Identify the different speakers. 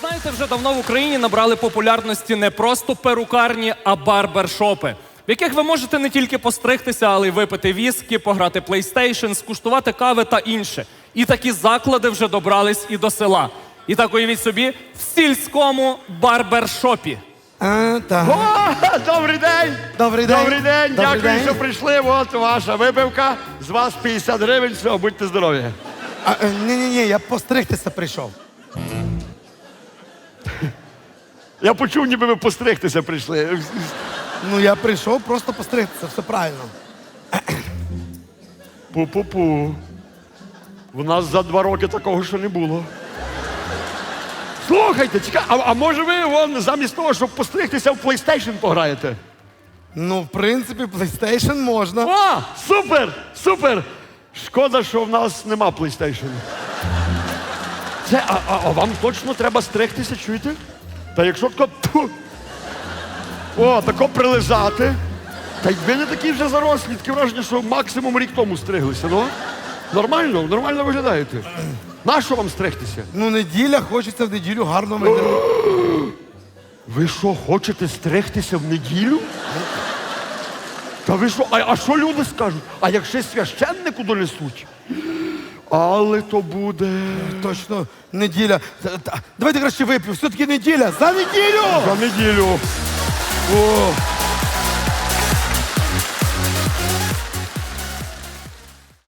Speaker 1: знаєте, вже давно в Україні набрали популярності не просто перукарні, а барбершопи, в яких ви можете не тільки постригтися, але й випити віскі, пограти PlayStation, скуштувати кави та інше. І такі заклади вже добрались і до села. І так уявіть собі, в сільському барбершопі.
Speaker 2: Так.
Speaker 3: О, добрий день!
Speaker 2: Добрий день.
Speaker 3: Добрий день!
Speaker 2: Добрий
Speaker 3: Дякую,
Speaker 2: день.
Speaker 3: що прийшли. От ваша випивка. З вас 50 гривень. Все, будьте здорові.
Speaker 2: Ні, я постригтися прийшов.
Speaker 3: Я почув, ніби ви постригтися прийшли.
Speaker 2: Ну, я прийшов просто постригтися, все правильно.
Speaker 3: Пу-пу-пу. В нас за 2 роки такого ще не було. Слухайте, чекай, а може ви вон, замість того, щоб постригтися, в PlayStation пограєте?
Speaker 2: Ну, в принципі, PlayStation можна.
Speaker 3: О, супер! Супер! Шкода, що в нас нема PlayStation. Це, а вам точно треба стригтися, чуєте? Та якщо тако... Тьфу, о, тако прилизати. Та й ви не такі вже зарослі, таке враження, що максимум рік тому стриглися, ну? Нормально, нормально виглядаєте. Нащо вам стригтися?
Speaker 2: Ну, неділя, хочеться в неділю гарно виглядати.
Speaker 3: Ви що, хочете стригтися в неділю? Та ви що, а що люди скажуть? А як ще священнику донесуть? Але то буде...
Speaker 2: Точно, неділя. Давайте краще вип'ю, все-таки неділя. За неділю!
Speaker 3: За неділю. О.